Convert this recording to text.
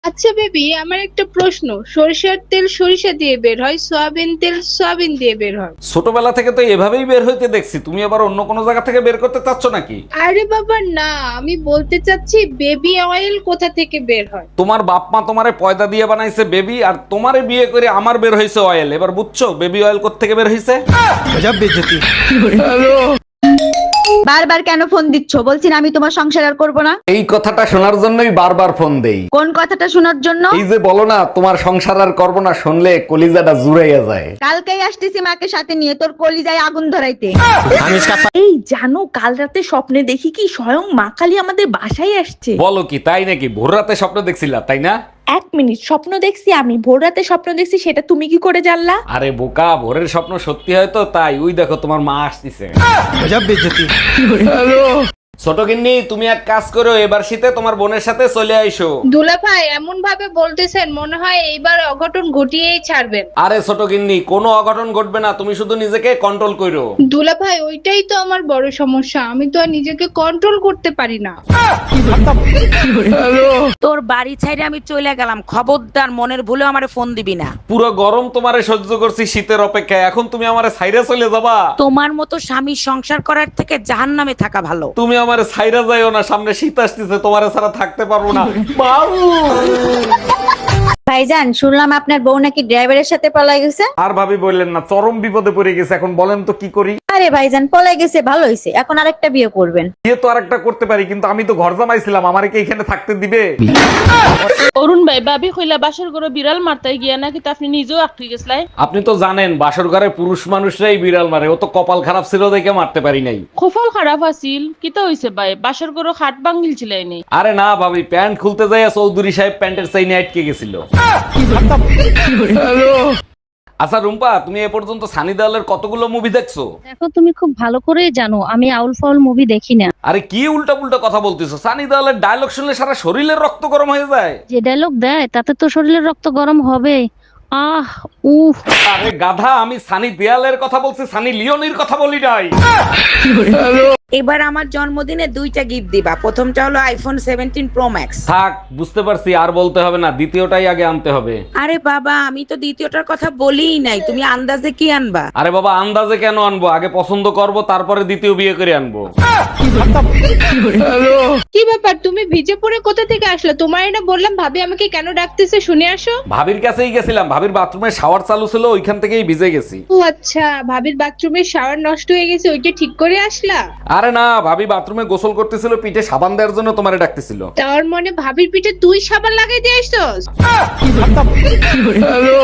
আচ্ছা বেবি, আমার একটা প্রশ্ন। সরিষার তেল সরিষা দিয়ে বের হয়, সয়াবিন তেল সয়াবিন দিয়ে বের হয়। ছোটবেলা থেকে তো এভাবেই বের হইতে দেখছি, তুমি আবার অন্য কোনো জায়গা থেকে বের করতে চাচ্ছ নাকি? আরে বাবা না, আমি বলতে চাচ্ছি বেবি অয়েল কোথা থেকে বের হয়। তোমার বাপ মা তোমারে পয়দা দিয়ে বানাইছে বেবি, আর তোমারে বিয়ে করে আমার বের হয়েছে অয়েল। এবার বুঝছো বেবি অয়েল কোত্থেকে বের হয়েছে? বারবার কেন ফোন দিচ্ছ? বলছি না আমি তোমার সংসার আর করবো না। এই কথাটা শোনার জন্যই বারবার ফোন দেই। কোন কথাটা শোনার জন্য? এই যে বলো না তোমার সংসার আর করবো না, শুনলে কলিজাটা জুড়াইয়া যায়। কালকেই আসতেছি মাকে সাথে নিয়ে তোর কলিজায় আগুন ধরাইতে। এই জানো, কাল রাতে স্বপ্নে দেখি কি স্বয়ং মা কালী আমাদের বাসায় আসছে। বলো কি, তাই নাকি? ভোর রাতে স্বপ্ন দেখছিলা তাই না? এক মিনিট, স্বপ্ন দেখছি আমি, ভোর রাতে স্বপ্ন দেখছি, সেটা তুমি কি করে জানলা? আরে বোকা, ভোরের স্বপ্ন সত্যি হয় তো তাই। ওই দেখো তোমার মা আসতেছে। ছোট গিন্নি, তুমি এক কাজ করো, এবার শীতে তোমার বোনের সাথে চলে আইসো। দুলা ভাই এমন ভাবে বলতেছেন, মনে হয় এইবার অঘটন ঘটিয়েই ছাড়বেন। আরে ছোট গিন্নি, কোনো অঘটন ঘটবে না, তুমি শুধু নিজেকে কন্ট্রোল করো। দুলা ভাই ওইটাই তো আমার বড় সমস্যা, আমি তো আর নিজেকে কন্ট্রোল করতে পারি না। তোর বাড়ি ছাইরে আমি চলে গেলাম, খবরদার মনের ভুলে আমারে ফোন দিবি না। পুরো গরম তোমারে সহ্য করছি শীতের অপেক্ষায়, এখন তুমি আমারে ছাইরা চলে যাবা? তোমার মতো স্বামী সংসার করার থেকে জাহান্নামে থাকা ভালো। তুমি আমারে ছাইরা যাইও না, সামনে শীত আসতেছে, তোমারে ছাড়া থাকতে পারবো না। বাবু! ভাইজান, শুনলাম আপনার বউ নাকি ড্রাইভারের সাথে পলাই গেছে। আর ভাবি বললেন না, চরম বিপদে পড়ে গেছে, এখন বলেন তো কি করি? আরে ভাইজান, পলাই গেছে ভালো হয়েছে, এখন আরেকটা বিয়ে করবেন। বিয়ে তো আরেকটা করতে পারি, কিন্তু আমি তো ঘর জামাইছিলাম, আমারে কি এখানে থাকতে দিবে? অরুণ ভাই, ভাবি কইলা বাসর ঘরে বিড়াল মারতাই গিয়া নাকি তা আপনি নিজেও আটকে গেছলাই। আপনি তো জানেন বাসর ঘরে পুরুষ মানুষরাই বিড়াল মারে, ও তো কপাল খারাপ ছিল দেখে মারতে পারি নাই। খোফল খারাপ আছিল, কিতা হইছে ভাই? বাসর ঘরে খাট ভাঙিল ছিলাইনি। আরে না ভাবি, প্যান্ট খুলতে যাইয়া চৌধুরী সাহেব প্যান্টের চাইনে আটকে গেছিল। আচ্ছা রুম্পা, তুমি এ পর্যন্ত সানি দেওয়ালের কতগুলো মুভি দেখছো? দেখো, তুমি খুব ভালো করেই জানো আমি আউল ফাউল মুভি দেখি না। আরে কি উল্টা পুল্টা কথা বলতেছো? সানি দেওয়ালের ডায়লগ শুনলে সারা শরীরের রক্ত গরম হয়ে যায়। যে ডায়লগ দেয় তাতে তো শরীরের রক্ত গরম হবে। আহ উফ। আরে গাধা, আমি সানি দেওয়ালের কথা বলছি, সানি লিওনির কথা বলি নাই। এবার আমার জন্মদিনে দুইটা গিফট দিবা, প্রথমটা হলো আইফোন 17 প্রো ম্যাক্স। থাক, বুঝতে পারছি, আর বলতে হবে না, দ্বিতীয়টাই আগে আনতে হবে। আরে বাবা, আমি তো দ্বিতীয়টার কথা বলিই নাই, তুমি আন্দাজে কি আনবা? আরে বাবা, আন্দাজে কেন আনবো? আগে পছন্দ করব, তারপরে দ্বিতীয় বিয়ে করে আনবো। কি ব্যাপার, তুমি ভিজে পড়ে কোথা থেকে আসলে? তোমার না বললাম ভাবি আমাকে কেন ডাকতেছে, শুনে আসো। ভাবির কাছেই গেছিলাম, ভাবির বাথরুমে শাওয়ার চালু ছিল, ওইখান থেকেই ভিজে গেছি। ও আচ্ছা, ভাবির বাথরুমের শাওয়ার নষ্ট হয়ে গেছে, ওইটা ঠিক করে আসলা? আরে না, ভাবি বাথরুমে গোসল করতেছিল, পিঠে সাবান দেওয়ার জন্য তোমারে ডাকতেছিল। তার মানে ভাবির পিঠে তুই সাবান লাগাই দিয়ে আসছস?